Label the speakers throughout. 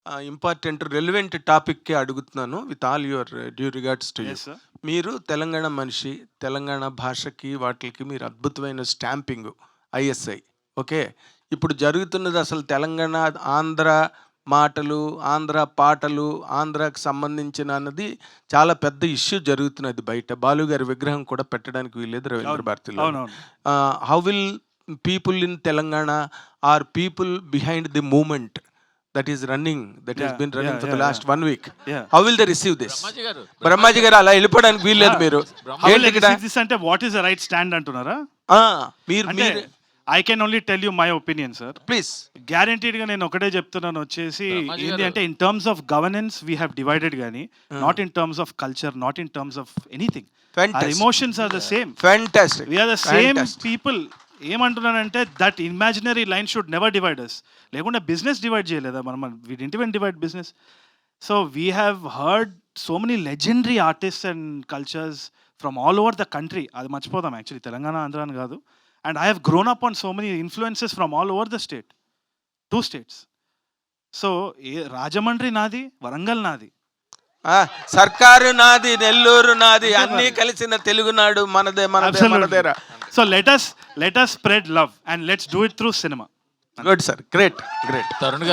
Speaker 1: Important relevant టాపిక్కే అడుగుతున్నాను with all your due regards to you.
Speaker 2: Yes sir.
Speaker 1: మీరు తెలంగాణ మనిషి, తెలంగాణ భాషకి వాటికి మీరు అద్భుతమైన స్టాంపింగ్ ఐఎస్ఐ. ఓకే, ఇప్పుడు జరుగుతున్నది అసలు తెలంగాణ ఆంధ్ర మాటలు, ఆంధ్ర పాటలు, ఆంధ్రాకి సంబంధించిన అన్నది చాలా పెద్ద ఇష్యూ జరుగుతున్నది బయట. బాలు గారి విగ్రహం కూడా పెట్టడానికి వీల్లేదు రవీంద్ర భారతిలో.
Speaker 2: అవునవును.
Speaker 1: How will people in Telangana are people behind the moment that is running, that has been running for the last 1 week? How will they receive this? Brahmaji garu అలా వెళ్ళిపోవడానికి వీల్లేదు. మీరు
Speaker 2: దిస్ అంటే what is the right stand అంటున్నారా?
Speaker 1: మీరు
Speaker 2: I can only tell you my opinion sir.
Speaker 1: Please.
Speaker 2: Guaranteed గా నేను ఒకటే చెప్తున్నాను వచ్చేసి, ఏంటి అంటే in terms of governance we have divided గానీ not in terms of culture, not in terms of anything. Our emotions are the same.
Speaker 1: Fantastic.
Speaker 2: We are the same people. ఏమంటున్నానంటే that imaginary line should never divide us. లేకుండా business divide చేయలేదా మనం? We didn't even divide business. So we have heard so many legendary artists and cultures from all over the country. అది మర్చిపోదాం actually, Telangana Andhra అని కాదు. And I have grown up on so many influences from all over the state, 2 states. సో రాజమండ్రి నాది, వరంగల్ నాది,
Speaker 1: సర్కారు నాది, నెల్లూరు నాది, అన్ని కలిసిన తెలుగునాడు మనదే, మనదే, మనదేరా.
Speaker 2: So let us spread love and let's do it through cinema.
Speaker 1: Good sir, great.
Speaker 3: Tarun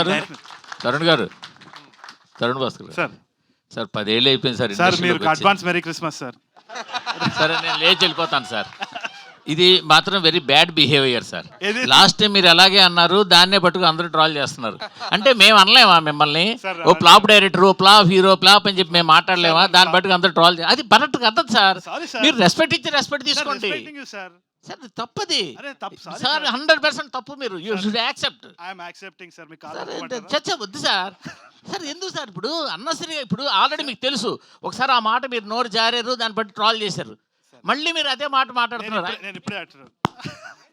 Speaker 3: Bhaskar
Speaker 2: sir.
Speaker 3: Sir 10 ఏళ్ళు అయిపోయింది సార్.
Speaker 2: సార్ మీరు అడ్వాన్స్ మెరీ క్రిస్మస్ సార్.
Speaker 3: సరే నేను లేచి వెళ్ళిపోతాను సార్. ఇది మాత్రం very bad behaviour sir. Last time మీరు అలాగే అన్నారు, దాన్నే పట్టుకు అందరూ ట్రాల్ చేస్తున్నారు. అంటే మేము అనలేమా మిమ్మల్ని ఓ ఫ్లాప్ డైరెక్టర్, ఓ ఫ్లాప్ హీరో, ఫ్లాప్ అని చెప్పి మేము మాట్లాడలేమా? దాన్ని పట్టుకు అందరూ ట్రాల్ అది కరెక్ట్ కదా సార్. మీరు రెస్పెక్ట్ ఇచ్చి రెస్పెక్ట్ తీసుకోండి సార్. తప్పది సార్, 100% తప్పు. మీరు యూ షుడ్ యాక్సెప్ట్. చచ్చా వద్దు సార్. సార్ ఎందుకు సార్ ఇప్పుడు అన్నసరిగా, ఇప్పుడు ఆల్రెడీ మీకు తెలుసు ఒకసారి ఆ మాట మీరు నోరు జారారు, దాన్ని బట్టి ట్రాల్ చేశారు, మళ్ళీ మీరు అదే మాట మాట్లాడుతున్నారు.